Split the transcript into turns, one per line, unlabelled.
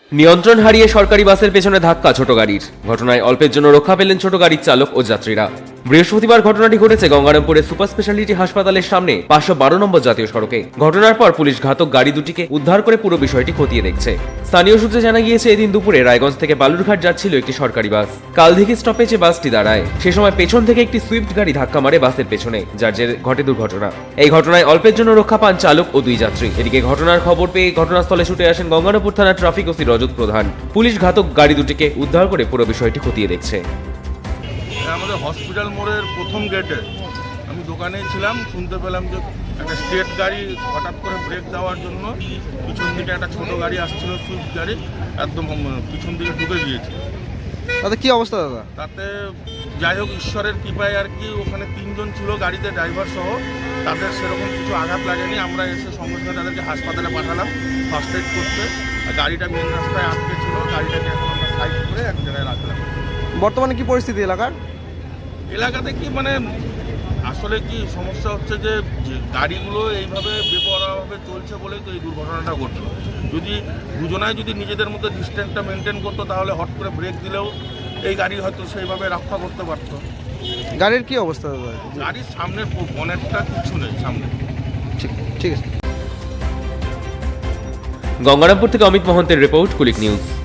নিয়ন্ত্রণ হারিয়ে সরকারি বাসের পেছনে ধাক্কা ছোট গাড়ির। ঘটনায় অল্পের জন্য রক্ষা পেলেন ছোট গাড়ির চালক ও যাত্রীরা। বৃহস্পতিবার ঘটনাটি ঘটেছে গঙ্গারামপুরের সুপার স্পেশালিটি হাসপাতালের সামনে 512 নম্বর জাতীয় সড়কে। ঘটনার পর পুলিশ ঘাতক গাড়ি দুটিকে উদ্ধার করে পুরো বিষয়টি খতিয়ে দেখছে। স্থানীয় সূত্রে জানা গিয়েছে, এদিন দুপুরে রায়গঞ্জ থেকে বালুরঘাট যাচ্ছিল একটি সরকারি বাস। কালদিঘি স্টপেজে বাসটি দাঁড়ায়। সে সময় পেছন থেকে একটি সুইফট গাড়ি ধাক্কা মারে বাসের পেছনে, যার জেরে ঘটে দুর্ঘটনা। এই ঘটনায় অল্পের জন্য রক্ষা পান চালক ও দুই যাত্রী। এদিকে ঘটনার খবর পেয়ে ঘটনাস্থলে ছুটে আসেন গঙ্গারামপুর থানার ট্রাফিক ওসি রজত প্রধান। পুলিশ ঘাতক গাড়ি দুটিকে উদ্ধার করে পুরো বিষয়টি খতিয়ে দেখছে।
আমাদের হসপিটাল মোড়ের প্রথম গেটে আমি দোকানে ছিলাম, শুনতে পেলাম যে একটা স্টেট গাড়ি হঠাৎ করে ব্রেক দেওয়ার জন্য পিছন দিকে একটা ছোট গাড়ি আসছিল, সুইফট গাড়ি, একদম পিছন দিকে ঢুকে গিয়েছে।
তাতে কি অবস্থা দাদা?
তাতে যাই হোক, ঈশ্বরের কৃপায় আর কি, ওখানে 3 জন ছিল গাড়িতে, ড্রাইভার সহ। তাদের সেরকম কিছু আঘাত লাগেনি। আমরা এসে সঙ্গে সঙ্গে তাদেরকে হাসপাতালে পাঠালাম ফার্স্ট এড করতে। গাড়িটা মেন রাস্তায় আটকে ছিল, গাড়িটাকে এখন আমরা সাইড করে এক জায়গায় রাখলাম।
বর্তমানে কি পরিস্থিতি এলাকার?
এলাকাতে কি মানে আসলে কি সমস্যা হচ্ছে যে গাড়িগুলো এইভাবে বেপরোয়াভাবে চলছে বলেই তো এই দুর্ঘটনাটা ঘটলো। যদি দুজনায় যদি নিজেদের মধ্যে ডিস্টেন্সটা মেনটেন করতো, তাহলে হট করে ব্রেক দিলেও এই গাড়ি হয়তো সেইভাবে রক্ষা করতে পারতো।
গাড়ির কি অবস্থা দাদা?
গাড়ির সামনের বনেটটা কিছু নেই সামনে।
ঠিক আছে।
গঙ্গারামপুর থেকে অমিত মহন্তের রিপোর্ট, কুলিক নিউজ।